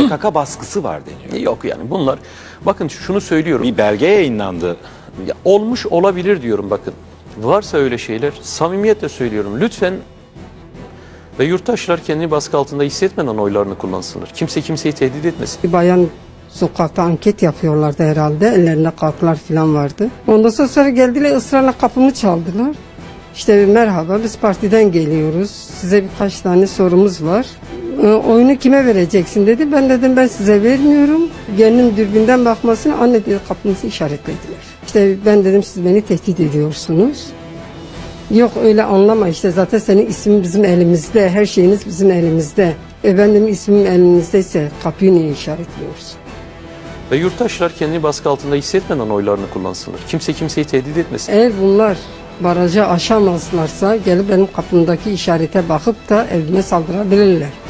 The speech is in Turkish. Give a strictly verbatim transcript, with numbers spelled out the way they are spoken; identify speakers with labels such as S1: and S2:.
S1: P K K baskısı var deniyor.
S2: Yok yani bunlar, bakın şunu söylüyorum.
S1: Bir belge yayınlandı.
S2: Ya, olmuş olabilir diyorum bakın. Varsa öyle şeyler, samimiyetle söylüyorum. Lütfen ve yurttaşlar kendini baskı altında hissetmeden oylarını kullansınlar. Kimse kimseyi tehdit etmesin.
S3: Bir bayan sokakta anket yapıyorlardı herhalde. Ellerinde kartlar falan vardı. Ondan sonra, sonra geldiler, ısrarla kapımı çaldılar. İşte merhaba, biz partiden geliyoruz. Size birkaç tane sorumuz var. E, oyunu kime vereceksin dedi. Ben dedim ben size vermiyorum. Gelinin dürbünden bakmasını, anne dedi, kapımızı işaretlediler. İşte ben dedim siz beni tehdit ediyorsunuz. Yok öyle anlama, işte zaten senin ismin bizim elimizde, her şeyiniz bizim elimizde. E ben dedim ismim elinizdeyse kapıyı niye işaretliyorsun?
S2: Ve yurttaşlar kendini baskı altında hissetmeden oylarını kullansınlar. Kimse kimseyi tehdit etmesin.
S3: Eğer bunlar barajı aşamazlarsa gelip benim kapımdaki işarete bakıp da evime saldırabilirler.